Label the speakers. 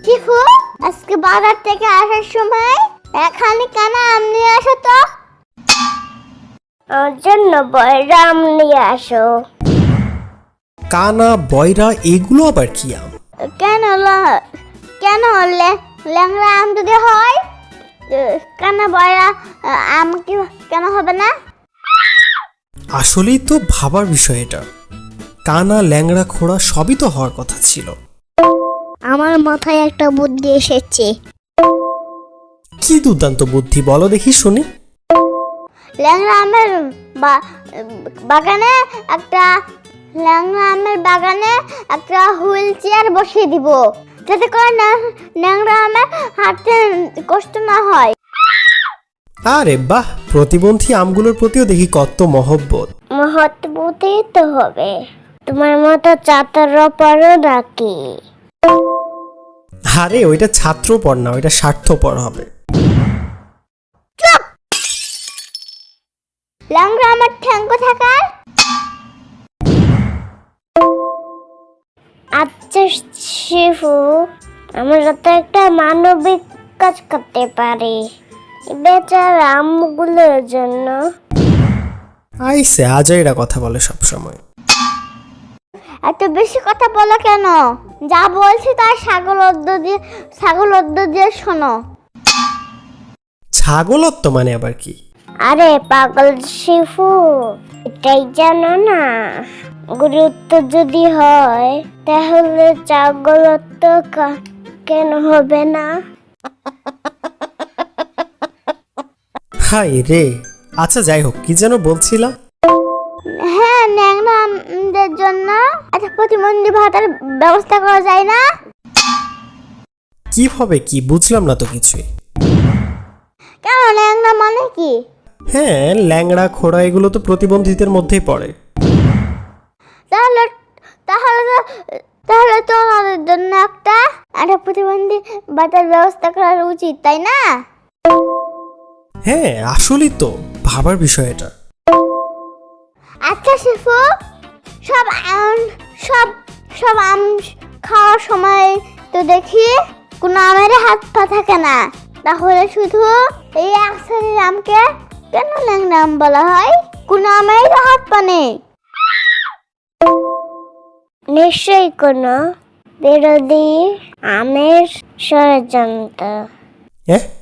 Speaker 1: Shifu, আজকে বাজার থেকে আসার সময় এখানে কেন আম নিয়ে আসো তো?
Speaker 2: আমার জন্য বয়রা আম নিয়ে আসো।
Speaker 3: কানা বয়রা এগুলো আবার কি আম?
Speaker 1: কেন ল্যাংড়া আম যদি হয় কেন বয়রা আম কি কেন হবে না?
Speaker 3: আসলেই তো ভাবার বিষয় এটা। কানা ল্যাংড়া খোড়া সবই তো হওয়ার কথা ছিল।
Speaker 2: আমার মাথায় একটা বুদ্ধি এসেছে।
Speaker 3: কি দুর্দান্ত বুদ্ধি, বলো দেখি শুনি।
Speaker 1: ল্যাংড়া আমের বাগানে একটা হুইল চেয়ার বসিয়ে দিব, যাতে করে ল্যাংড়া আমের হাঁটতে কষ্ট না হয়।
Speaker 3: আরে বাহ, প্রতিবন্ধী আমগুলোর প্রতিও দেখি কত মহব্বত।
Speaker 2: মহৎ তো হবে। তোমার মতো চাতার পরও নাকি?
Speaker 3: আরে ওইটা ছাত্রপর না, ওইটা স্বার্থপর হবে।
Speaker 1: ল্যাংড়া আমার ঠ্যাঙ্গ থাকার।
Speaker 2: আচ্ছা শিফু, আমরা তো একটা মানবিক কাজ করতে পারি বেচারা আমগুলোর জন্য।
Speaker 3: আইসে আজাইরা কথা বলে সব সময়।
Speaker 1: এত বেশি কথা বলো কেন? যা বলছি তাই ছাগল অদ্দ দিয়ে শোনো।
Speaker 3: ছাগলত্ব মানে আবার কি?
Speaker 2: আরে পাগল শিফু, এটাই জানো না? গুরুত্ব যদি হয় তাহলে ছাগলত্ব কেন হবে না?
Speaker 3: হাই রে। আচ্ছা যাই হোক, কি যেন বলছিলা?
Speaker 1: হ্যাঁ, ল্যাংড়া আমদের জন্য একটা প্রতিবন্ধী ভাতার ব্যবস্থা করা যায় না?
Speaker 3: কিভাবে কি বুঝলাম না তো কিছুই।
Speaker 1: কেন, ল্যাংড়া মানে কি?
Speaker 3: হ্যাঁ, ল্যাংড়া খোড়া এগুলো তো প্রতিবন্ধীদের মধ্যেই পড়ে।
Speaker 1: তাহলে তাহলে তো তাহলে তো আমাদের জন্য একটা প্রতিবন্ধী ভাতার ব্যবস্থা করা উচিত, তাই না?
Speaker 3: হ্যাঁ আসলেই তো ভাবার বিষয় এটা।
Speaker 1: আচ্ছা শিফু, সব আম সব সব আম খাওয়ার সময় তো দেখি কোনো আমের হাত পা থাকে না, তাহলে শুধু এই এক শ্রেণীর আমকে কেন ল্যাংড়া আম বলা হয়? কোনো আমের তো হাত পা নেই।
Speaker 2: নিশ্চয়ই কোনো বিরোধী আমের ষড়যন্ত্র।
Speaker 3: হ্যাঁ